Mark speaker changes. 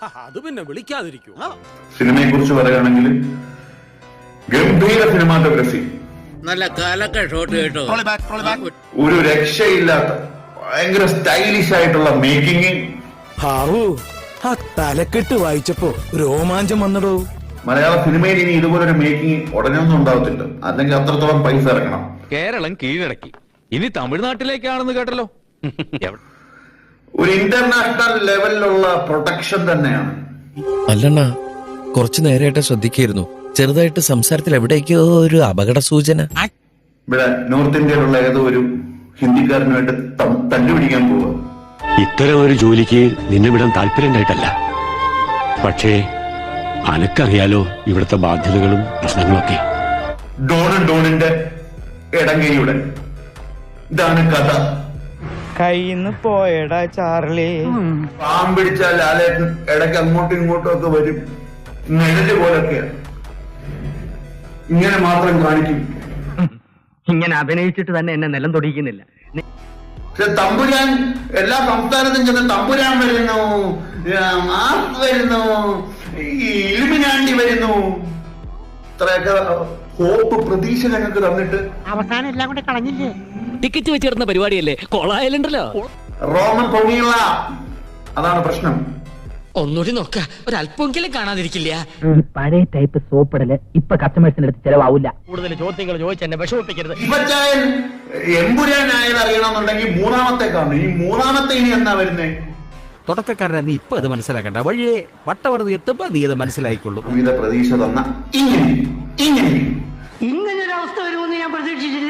Speaker 1: അത് പിന്നെ വിളിക്കാതിരിക്കൂ.
Speaker 2: സിനിമയെ കുറിച്ച് പറയുകയാണെങ്കിൽ ഗംഭീര സിനിമാറ്റോഗ്രഫി,
Speaker 3: നല്ല കാലൊക്കെ ഷോട്ട് കേട്ടോ,
Speaker 2: ഒരു രക്ഷയില്ലാത്ത ഭയങ്കര സ്റ്റൈലിഷ് ആയിട്ടുള്ള മേക്കിംഗ്.
Speaker 4: ഹാവൂ, ആ തലക്കെട്ട് വായിച്ചപ്പോ രോമാഞ്ചം വന്നടോ.
Speaker 2: മലയാള സിനിമയിൽ ഇനി ഇതുപോലൊരു മേക്കിംഗ് ഉടനെയൊന്നും ഉണ്ടാവത്തില്ല, അല്ലെങ്കിൽ അത്രത്തോളം പൈസ ഇറക്കണം.
Speaker 5: കേരളം കീഴടക്കി, ഇനി തമിഴ്നാട്ടിലേക്കാണെന്ന് കേട്ടല്ലോ.
Speaker 2: ഒരു ഇന്റർനാഷണൽ ലെവലിലുള്ള പ്രൊട്ടക്ഷൻ തന്നെയാണ്.
Speaker 6: അല്ലണ്ണ, കുറച്ചു നേരമായിട്ട് ശ്രദ്ധിക്കായിരുന്നു, ചെറുതായിട്ട് സംസാരത്തിൽ എവിടേക്കോ ഒരു അപകട സൂചന.
Speaker 2: ഇവിടെ നോർത്ത് ഇന്ത്യയിലുള്ള ഏതോ ഒരു ഹിന്ദിക്കാരനുമായിട്ട് തല്ലുപിടിക്കാൻ പോവുക.
Speaker 7: ഇത്തരം ഒരു ജോലിക്ക് നിന്നെ വിടാൻ താല്പര്യമുണ്ടായിട്ടല്ല, പക്ഷേ അനക്കറിയാലോ ഇവിടുത്തെ ബാധ്യതകളും പ്രശ്നങ്ങളൊക്കെ.
Speaker 2: ഡോണിന്റെ ഇടങ്കയുടെ ഇതാണ് കഥ.
Speaker 8: കയ്യിന്ന് പോയടാ ചാർലി.
Speaker 2: പാമ്പിടിച്ചാൽ ലാലേട്ടൻ ഇടയ്ക്ക് അങ്ങോട്ടും ഇങ്ങോട്ടും ഒക്കെ വരും, നിഴല് പോലൊക്കെയാ. ഇങ്ങനെ മാത്രം കാണിക്കും.
Speaker 8: ഇങ്ങനെ അഭിനയിച്ചിട്ട് തന്നെ എന്നെ നിലം തൊടിക്കുന്നില്ല.
Speaker 2: പക്ഷെ തമ്പുരാൻ എല്ലാ സംസ്ഥാനത്തും ചെന്ന് തമ്പുരാൻ വരുന്നു, മാസ് വരുന്നു, ഈ ഇലുമിനാണ്ടി വരുന്നു, ഇത്രയൊക്കെ ഹോപ്പ് പ്രതീക്ഷ ഞങ്ങൾക്ക് തന്നിട്ട്
Speaker 8: അവസാനം എല്ലാം കൂടെ കളഞ്ഞില്ലേ?
Speaker 9: ടിക്കറ്റ് വെച്ചിരുന്ന പരിപാടിയല്ലേ, കൊളായാലുണ്ടല്ലോ.
Speaker 2: റോമൻ പൊങ്ങിയുള്ള അതാണ് പ്രശ്നം.
Speaker 9: ഒന്നുകൂടി നോക്ക, ഒരല്പമെങ്കിലും കാണാതിരിക്കില്ല.
Speaker 8: ഈ പഴയ ടൈപ്പ് സോപ്പിടല് ഇപ്പൊ കസ്റ്റമേഴ്സിന്റെ അടുത്ത് ചെലവാവില്ല. കൂടുതൽ ചോദ്യങ്ങൾ ചോദിച്ച് എന്നെ വിഷമിപ്പിക്കരുത്.
Speaker 2: ഇവച്ചായൻ എമ്പുരാനായത് അറിയണമെന്നുണ്ടെങ്കിൽ മൂന്നാമത്തെ കാണും. ഈ മൂന്നാമത്തെ ഇനി എന്നാ വരുന്നേ?
Speaker 1: തുടക്കക്കാരനെ നീ ഇപ്പൊ അത് മനസ്സിലാക്കണ്ട, വഴിയെ വട്ടവറുതി എത്തുമ്പോ നീ അത് മനസ്സിലായിക്കൊള്ളു.
Speaker 2: വിവിധ പ്രതീക്ഷ തന്ന ഇങ്ങനെ
Speaker 8: ഇങ്ങനൊരു അവസ്ഥ വരുമെന്ന് ഞാൻ പ്രതീക്ഷിച്ചില്ല.